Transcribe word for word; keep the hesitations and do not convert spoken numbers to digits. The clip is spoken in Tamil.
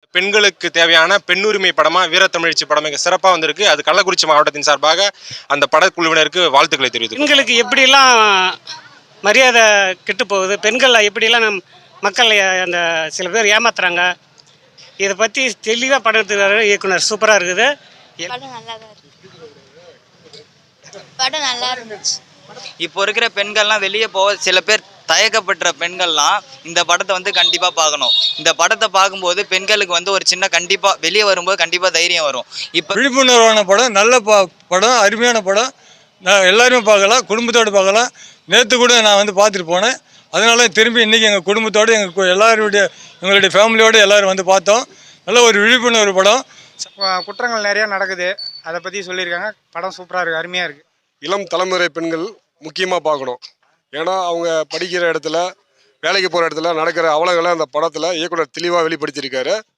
பெண்களுக்கு தேவையான பெண்ணுரிமை படமா வீரத்தமிழ்ச்சி படம் மிக சிறப்பாக வந்திருக்கு. அது கள்ளக்குறிச்சி மாவட்டத்தின் சார்பாக அந்த படக்குழுவினருக்கு வாழ்த்துக்களை தெரிவித்து, பெண்களுக்கு எப்படிலாம் மரியாதை கெட்டு போகுது, பெண்கள் எப்படிலாம் நம் மக்கள் அந்த சில பேர் ஏமாத்துறாங்க, இதை பற்றி தெளிவாக படம் எடுத்துக்கிறாரு இயக்குனர். சூப்பராக இருக்குது. படம் நல்லா தான் இருக்கு. படம் நல்லா இருந்துச்சு. இப்போ இருக்கிற பெண்கள்லாம் வெளியே போக சில பேர் தயக்கப்படுற பெண்கள்லாம் இந்த படத்தை வந்து கண்டிப்பாக பார்க்கணும். இந்த படத்தை பார்க்கும்போது பெண்களுக்கு வந்து ஒரு சின்ன கண்டிப்பாக வெளியே வரும்போது கண்டிப்பாக தைரியம் வரும். இப்போ விழிப்புணர்வான படம், நல்ல ப படம் அருமையான படம். நான் எல்லாருமே பார்க்கலாம், குடும்பத்தோடு பார்க்கலாம். நேற்று கூட நான் வந்து பார்த்துட்டு போனேன். அதனால திரும்பி இன்றைக்கி எங்கள் குடும்பத்தோடு எங்கள் எல்லாருடைய எங்களுடைய ஃபேமிலியோடு எல்லோரும் வந்து பார்த்தோம். நல்ல ஒரு விழிப்புணர்வு படம். குற்றங்கள் நிறையா நடக்குது, அதை பற்றி சொல்லியிருக்காங்க. படம் சூப்பராக இருக்குது, அருமையாக இருக்குது. இளம் தலைமுறை பெண்கள் முக்கியமாக பார்க்கணும். ஏன்னா அவங்க படிக்கிற இடத்துல, வேலைக்கு போகிற இடத்துல நடக்கிற அவலங்களை அந்த படத்தில் இயக்குனர் தெளிவாக வெளிப்படுத்தியிருக்காரு.